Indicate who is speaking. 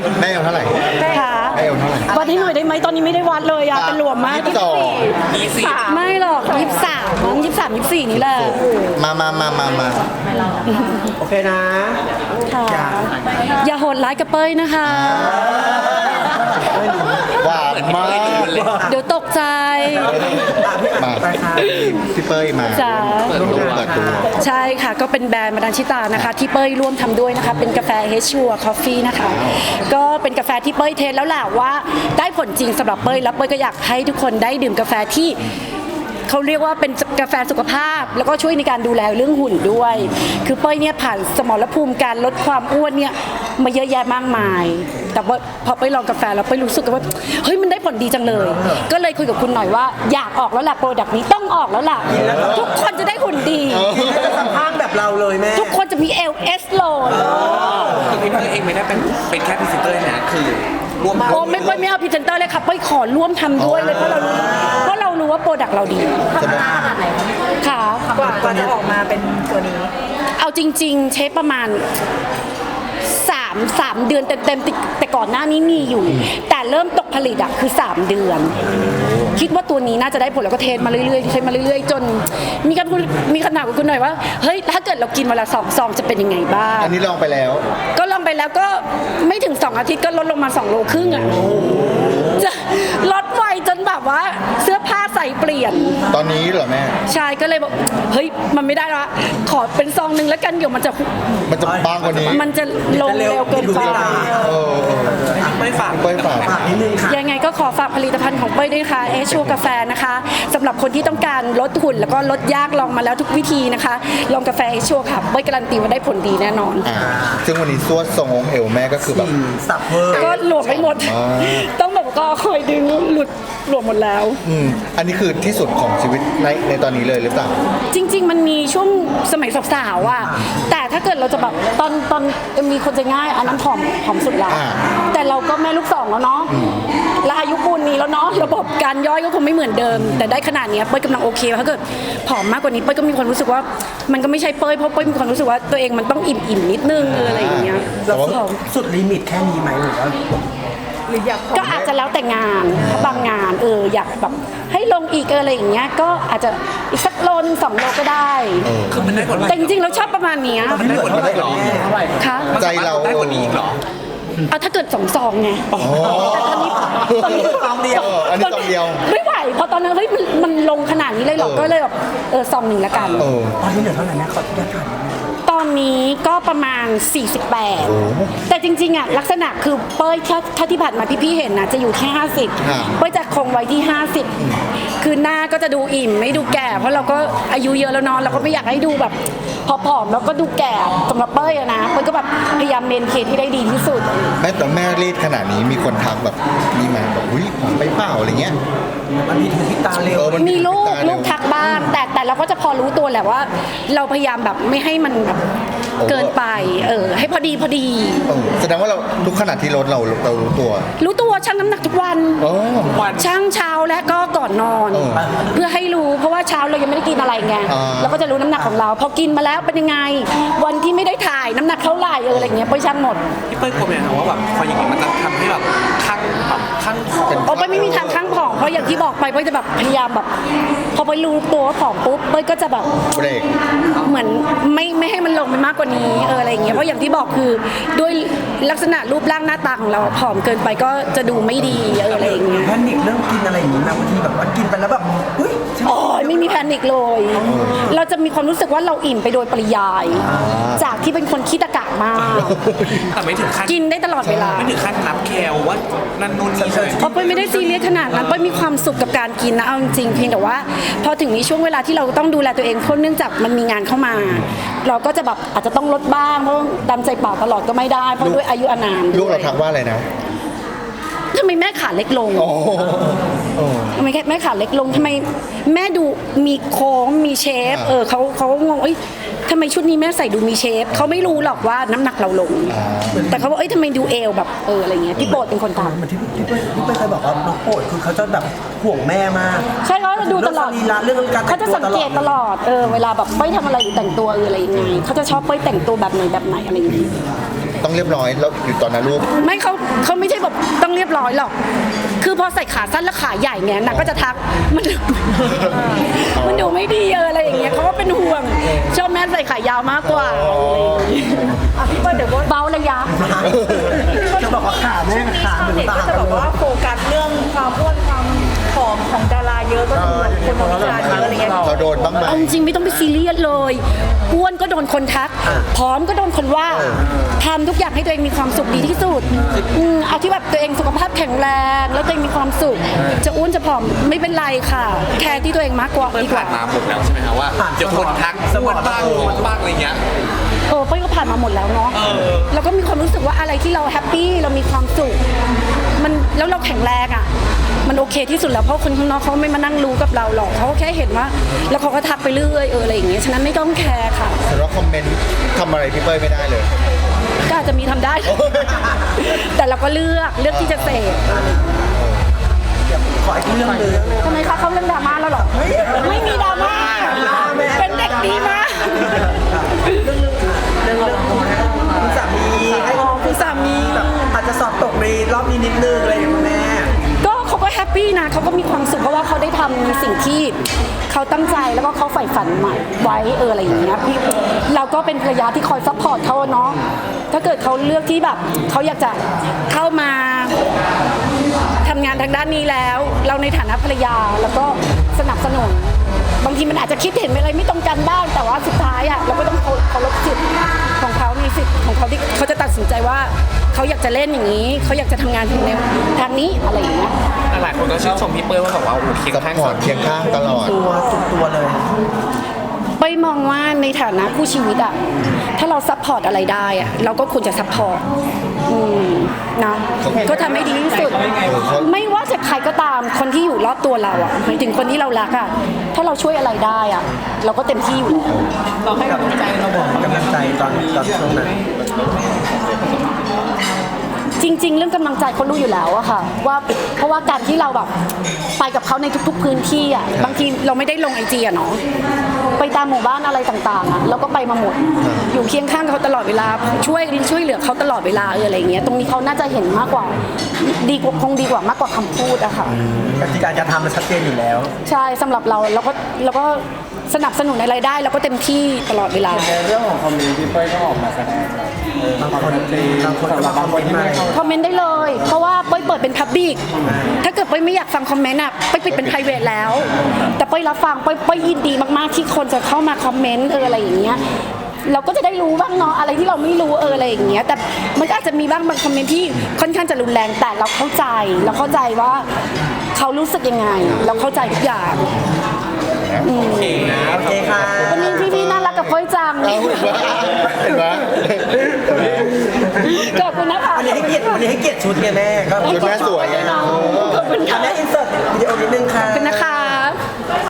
Speaker 1: แม่เอาเท่าไหร่
Speaker 2: ค่ะ
Speaker 1: แม่เอาเท่าไหร่
Speaker 2: วัดให้หน่อยได้ไหมตอนนี้ไม่ได้วัดเลยอะเป็นหลวมมาก
Speaker 1: 22
Speaker 2: ไม่หรอก23 24นี่แหละ
Speaker 1: มา
Speaker 3: โอเคนะ
Speaker 2: ค่ะอย่าโหดร้ายกับเป้ยนะคะ
Speaker 1: หวานมาก
Speaker 2: เดี๋ยวตกใจ
Speaker 1: มาพี่เป้ยมา
Speaker 2: จ้า
Speaker 1: เปิดตัว
Speaker 2: ใช่ค่ะก็เป็นแบรนด์มาดานชิตานะคะที่เป้ยร่วมทำด้วยนะคะเป็นกาแฟเฮชัวคอฟฟี่นะคะก็เป็นกาแฟที่เป้ยเทสแล้วแหละว่าได้ผลจริงสำหรับเป้ยแล้วเป้ยก็อยากให้ทุกคนได้ดื่มกาแฟที่เขาเรียกว่าเป็นกาแฟสุขภาพ แล้วก็ช่วยในการดูแลเรื่องหุ่นด้วย คือเป้ยเนี่ยผ่านสมรภูมิการลดความอ้วนเนี่ยมาเยอะแยะมากมาย แต่ว่าพอเป้ยลองกาแฟแล้วเป้ยรู้สึกว่าเฮ้ยมันได้ผลดีจังเลย ก็เลยคุยกับคุณหน่อยว่าอยากออกแล้วล่ะโปรดักต์นี้ต้องออกแล้วล่ะทุกคนจะได้หุ่นดี
Speaker 3: สัมภาษณ์แบบเราเลยแม่
Speaker 2: ทุกคนจะมี LS โหลด
Speaker 4: คือพี่เตอร์เองไม่ได้เป็นแค่พรีเซนเตอร์นะคือรวม
Speaker 2: โอ้ไม่เอาพรีเซนเตอร์เลยค่ะเป้ยขอร่วมทำด้วยเลยเพราะเรารู้ว่าโปรดักต์เราดีค่ะ
Speaker 5: กว่าจะออกมาเป็นตัวนี้
Speaker 2: เอาจริงๆเชฟประมาณ3 เดือนเต็มๆแต่ก่อนหน้านี้มีอยู่ แต่เริ่มตกผลิตอะคือ3 เดือน คิดว่าตัวนี้น่าจะได้ผลแล้วก็เทสมาเรื่อยๆใช้มาเรื่อยๆจนมีคำถามกับคุณหน่อยว่าเฮ้ยถ้าเกิดเรากินวันละ2 ซองจะเป็นยังไงบ้าง
Speaker 1: อันนี้ลองไปแล้ว
Speaker 2: ก็ลองไปแล้วก็ไม่ถึง2 อาทิตย์ก็ลดลงมา2 โลครึ่งอ่ะจะลดไวจนแบบว่าเสื้อผ้าใส่เปลี่ยน
Speaker 1: ตอนนี้เหรอแม่
Speaker 2: ชายก็เลยบอกเฮ้ยมันไม่ได้ละขอเป็นซองหนึ่งแล้วกันเดี๋ยวมันจะ
Speaker 1: บางกว่านี้
Speaker 2: มันจะลงเร็วเกินไป
Speaker 4: ไม่ฝาก
Speaker 1: เป้ยฝาก
Speaker 3: ฝากนิดนึงค่ะ
Speaker 2: ยังไงก็ขอฝากผลิตภัณฑ์ของเป้ยด้วยนะคะเอชัวกาแฟนะคะสำหรับคนที่ต้องการลดหุ่นแล้วก็ลดยากลองมาแล้วทุกวิธีนะคะลองกาแฟเอชัวค่ะเป้ยการันตีว่าได้ผลดีแน่นอน
Speaker 1: ซึ่งวันนี้สวดทรงองค์เอวแม่ก็คือแบบ
Speaker 3: สับเวอร์
Speaker 2: ก็หลวมไปหมด ต้องแบบก็คอยดึงหลุดหลวมหมดแล้ว
Speaker 1: อันนี้คือที่สุดของชีวิตในตอนนี้เลยหรือเปล่า
Speaker 2: จริง ๆ มันมีช่วงสมัยสาวๆอ่ะแต่ถ้าเกิดเราจะแบบตอนมีคนจะง่ายอันนั้นผอมสุดแล้ว แต่เราก็แม่ลูก 2แล้วเนาะและอายุปูนนี้แล้วเนาะระบบการย่อยก็คงไม่เหมือนเดิม แต่ได้ขนาดนี้เป้ยกำลังโอเคถ้าเกิดผอมมากกว่านี้เป้ยก็มีความรู้สึกว่ามันก็ไม่ใช่เป้ยเพราะเป้ยมีความรู้สึกว่าตัวเองมันต้องอิ่มนิดนึงอะไรอย่างเงี้ย
Speaker 3: แล้วสุดลิมิตแค่นี้ไหมหรือว่า
Speaker 2: ก็อาจจะแล้วแต่งานถ้าบางงานอยากแบบให้ลงอีกอะไรอย่างเงี้ยก็อาจจะอีกสักโลนึง2 โลก็ได้
Speaker 4: คือมันได้ผล
Speaker 2: แต่จริงๆเราชอบประมาณเนี้ย
Speaker 4: มันได้ผลได้หรอ
Speaker 2: ค่ะ
Speaker 1: ใจเรา
Speaker 4: ได้กว่านี้อีกหรอ
Speaker 2: เอาถ้าเกิด2 ซองไงแต่ตอนนี้
Speaker 3: ซองเดียว
Speaker 1: อันนี้ซองเดียว
Speaker 2: ไม่ไหวเพราะตอนนั้นเฮ้ยมันลงขนาดนี้เลยเหรอก็เลยแบบซองหนึ่งละกัน
Speaker 3: ตอนนี้เหลือเท่าไหร่แม่ขออนุญาตถาม
Speaker 2: ตอนนี้ก็ประมาณ 48 แต่จริงๆอ่ะลักษณะคือเป้ยถ้าที่ผ่านมาพี่ๆเห็นนะจะอยู่ที่50เป้ยจะคงไว้ที่50คือหน้าก็จะดูอิ่มไม่ดูแก่ เพราะเราก็อายุเยอะแล้วเนาะเราก็ไม่อยากให้ดูแบบผอมๆแล้วก็ดูแก่สำหรับเป้ยอะนะเป้ยก็แบบพยายามเมนเทนที่ได้ดีที่สุด
Speaker 1: แม่แต่แม่รีดขนาดนี้มีคนทักแบบนี่มาแบบอุ้ยผอมไปเปล่าอะไรเงี้ย
Speaker 3: มันมีถึงที่ตาเร็ว
Speaker 1: มัน
Speaker 2: มีลูก
Speaker 1: ตาเร็ว
Speaker 2: ทักบ้างแต่เราก็จะพอรู้ตัวแหละว่า เราพยายามแบบไม่ให้มันแบบเกินไปให้พอดี
Speaker 1: แสดงว่าเราทุกขนาดที่ลดเรารู้ตัว
Speaker 2: รู้ตัวชั่งน้ำหนักทุกวัน ชั่งเช้าและก็ก่อนนอน เพื่อให้รู้เพราะว่าเช้าเรายังไม่ได้กินอะไรไงเราก็จะรู้น้ำหนักของเราพอกินมาแล้วเป็นยังไง วันที่ไม่ได้ถ่ายน้ำหนักเท่าไหร่อะไรเงี้ยไปชั่งหมด
Speaker 4: พี่เป้ยกลัวไหมครับว่าแบบพออย่างนี้มันจะทำให้แบบข้างผอม
Speaker 2: โอ้ยไม่มีทางข้างผอมเพราะอย่างที่บอกไปเป้ยจะแบบพยายามแบบพอไปรู้ตัวว่าผอมปุ๊บเป้ยก็จะแบบ
Speaker 1: เบรก
Speaker 2: เหมือนไม่ให้มันลงไปมากกว่านี้อะไรอย่างเงี้ยเพราะอย่างที่บอกคือด้วยลักษณะรูปร่างหน้าตาของเราผอมเกินไปก็จะดูไม่ดีอะไรอย่างเงี้ย
Speaker 3: แพนิคเรื่องกินอะไรอย่างนี้นะบางทีแบบว่ากินไปแล้วแบบเฮ้ย
Speaker 2: โอ้ยไม่มีแพนิคเลย เราจะมีความรู้สึกว่าเราอิ่มไปโดยปริยาย จากที่เป็นคนขี้ตะกะมาก
Speaker 4: แต่ไม่ถึงขั้น
Speaker 2: กินได้ตลอดเวลา
Speaker 4: ไม่ถึงขั้นนับแคลว่านั่นนู่นนี่ใช่ไหม
Speaker 2: เพราะเป้ยไม่ได้ซีเรียสขนาดนั้นเป้ยมีความสุขกับการกินนะเอาจริงๆเพียงแต่ว่า พอถึงในช่วงเวลาที่เราต้องดูแลตัวเองเพราะเนื่องจากมันมีงานเข้ามา เราก็จะแบบอาจจะต้องลดบ้างเพราะตามใจปากตลอดก็ไม่ได้เพราะด้วยอายุอานาม
Speaker 1: ลูกเราทักว่าอะไรนะ
Speaker 2: ทำไมแม่ขาเล็กลง
Speaker 1: โอ้โอ้
Speaker 2: ทำไมแม่ขาเล็กลงทำไมแม่ดูมีโค้งมีเชฟเขางงทำไมชุดนี้แม่ใส่ดูมีเชฟเขาไม่รู้หรอกว่าน้ำหนักเราลง แต่เขาบอกทำไมดูเอวแบบอะไรเงี้ยพี่โปรดเป็นคนท
Speaker 3: เหมือนที่พี่เป้ยเคยบอกว่าน้องโปรดคือเขาจะแบบห่วงแม่มาก
Speaker 2: ำใช่เขาจะดูตลอด
Speaker 3: เรื่องสรีระเรื่องการแต่งตัว
Speaker 2: เขาจะสังเกตตลอดเวลาแบบเป้ยทำอะไรหรือแต่งตัวอะไรยังไงเขาจะชอบเป้ยแต่งตัวแบบไหนอะไรอย่างเงี้ย
Speaker 1: ต้องเรียบร้อยแล้วอยู่ตอนนั้นรูป
Speaker 2: ไม่เขาไม่ใช่แบบต้องเรียบร้อยหรอก คือพอใส่ขาสั้นและขาใหญ่เนี่ยนางก็จะทักมันดูไม่ดีอะไรอย่างเงี้ยเขาก็เป็นห่วงชอบแม่ใส่ขายาวมากกว่า
Speaker 5: พี่เปิ้ลเดี๋ยวว่า
Speaker 2: เบาระยะ
Speaker 3: จะบอกว่าขาแม่ขาเหมือน
Speaker 5: เด็ก
Speaker 3: ตา
Speaker 5: ก็จะ
Speaker 3: กัน
Speaker 5: แบบ
Speaker 3: เล
Speaker 5: ว่าย โฟกัสเรื่องความอ้วนความผอมของดาราเยอะก็จะมีคนมาวิจารณ์เยอะอะไรเงี้ย
Speaker 1: เราโดนบ้างไหม
Speaker 2: เอาจริงไม่ต้องไปซีเรียสเลยอ้วนก็โดนคนทักผอมก็โดนคนว่าทำทุกอย่างให้ตัวเองมีความสุขดีที่สุดเอาที่แบบตัวเองสุขภาพแข็งแรงแล้วตัวเองมีความสุขจะอ้วนจะผอมไม่เป็นไรค่ะ แคร์ที่ตัวเองมากกว่า
Speaker 4: เปิ้ล
Speaker 2: ดีก
Speaker 4: ผ่า
Speaker 2: ว่า
Speaker 4: นมาหมดแล้วใช่ไหมครับว่าเดี๋ยวคนทักอ้วนบ้างอ้วนบ้างอะไรเงี้ย
Speaker 2: เป้ยก็ผ่านมาหมดแล้วเนาะแล้วก็มีความรู้สึกว่าอะไรที่เราแฮปปี้เรามีความสุขมันแล้วเราแข็งแรงอ่ะมันโอเคที่สุดแล้วเพราะคนข้างนอกเขาไม่มานั่งรู้กับเราหรอกเขาก็แค่เห็นว่าแล้วเขาก็ทักไปเรื่อยอะไรอย่างเงี้ยฉะนั้นไม่ต้องแคร์ค่ะ
Speaker 1: แต่ว่าคอมเมนต์ทำอะไรพี่เป้ยไม่ได้เลย
Speaker 2: ก็อาจจะมีทำได้ แต่เราก็เลือกที่จะเสพ
Speaker 3: ขออีกเรื่องหนึง
Speaker 2: ทำไมคะเขาเรื่องดราม่าแล้วเหรอไม่มีดราม่าเป็นเด็กดีมาก
Speaker 3: เรื่องคุณสามีให้
Speaker 2: คุณสามี
Speaker 3: แบบอาจจะสอบตกในรอบนี้นิดนึงอะไรอย่างเงี้ยแม่
Speaker 2: ก็เขาก็แฮปปี้นะเขาก็มีความสุขเพราะว่าเขาได้ทำสิ่งที่เขาตั้งใจแล้วก็เขาใฝ่ฝันใหม่ไว้อะไรอย่างเงี้ยพี่เราก็เป็นภรรยาที่คอยซัพพอร์ตเขาเนาะถ้าเกิดเขาเลือกที่แบบเขาอยากจะเข้ามาทำงานทางด้านนี้แล้ว เราในฐานะภรรยาแล้วก็สนับสนุนบางทีมันอาจจะคิดเห็นอะไรไม่ตรงกันบ้างแต่ว่าสุดท้ายอ่ะเราก็ต้องเคารพสิทธิ์ของเขามีสิทธิ์ของเขาที่เขาจะตัดสินใจว่าเขาอยากจะเล่นอย่างนี้เขาอยากจะทำงานในทางนี้อะไรอย่างเงี้ย
Speaker 4: หลายคนก็ชื่นชมพี่เปิ้ลว่าแบบว่าโอ้โหเคียง
Speaker 1: ซัพ
Speaker 4: ข้าง
Speaker 1: พอร์ตเคียงข้างตลอด
Speaker 3: ตัวสุดตัวเลย
Speaker 2: ไปมองว่าในฐานะคู่ชีวิตอะถ้าเราซัพพอร์ตอะไรได้อะเราก็ควรจะซัพพอร์ตนะก็ทำให้ดีที่สุด ไม่ว่าจะใครก็ตามคนที่อยู่รอบตัวเราอะหมายถึงคนที่เรารักอะถ้าเราช่วยอะไรได้อะเราก็เต็มที่อยู่แล้ว
Speaker 3: เราให้กำลังใจเราบอกกำลังใจตอนช่วงนั้น
Speaker 2: จริง ๆ เรื่องกำลังใจเขารู้อยู่แล้วอะค่ะว่าเพราะว่าการที่เราแบบไปกับเขาในทุกๆพื้นที่อะบางทีเราไม่ได้ลงไอจีอะเนาะไปตามหมู่บ้านอะไรต่างๆอะเราก็ไปมาหมดอยู่เคียงข้างเขาตลอดเวลาช่วยเหลือเขาตลอดเวลาอะไรอย่างเงี้ยตรงนี้เขาน่าจะเห็นมากกว่าคงดีกว่ามากกว่าคำพูดอะค่ะ
Speaker 3: กติกาจะทำมันชัดเจนอยู่แล้ว
Speaker 2: ใช่สำหรับเราก็สนับสนุนอะไรได้เราก็เต็มที่ตลอดเวลา
Speaker 6: ในเรื่องของคอมเมนต์พี่เป้ยก็ออกมาแสดงแบบ
Speaker 3: บางคนก็มาคอมเมนต์มา
Speaker 2: คอมเมนต์ได้เลย เพราะว่าเป้ยเปิดเป็นพับบิกถ้าเกิดเป้ยไม่อยากฟังคอมเมนต์อ่ะเป้ยปิดเป็น private แล้ว แต่เป้ยรับฟังเป้ยยินดีมากๆที่คนจะเข้ามาคอมเมนต์อะไรอย่างเงี้ยเราก็จะได้รู้บ้างเนาะอะไรที่เราไม่รู้อะไรอย่างเงี้ยแต่มันก็อาจจะมีบ้างบางคอมเมนต์ที่ค่อนข้างจะรุนแรงแต่เราเข้าใจว่าเขารู้สึกยังไง เราเข้าใจทุกอย่าง
Speaker 3: โอเคค่ะ
Speaker 2: วันนี้พี่น่ารักกับเป้ยจัง
Speaker 1: เอาเห็นไหม
Speaker 2: ขอบคุณนะคะ
Speaker 3: วันนี้ให้เกียรติชุดไงแม่ก็
Speaker 1: ชุดแม่สวยไง
Speaker 2: ขอบคุณค่ะ
Speaker 3: แม่อินเสิร์ตวิดีโอนิดนึงค่ะ
Speaker 2: ขอบคุณนะคะ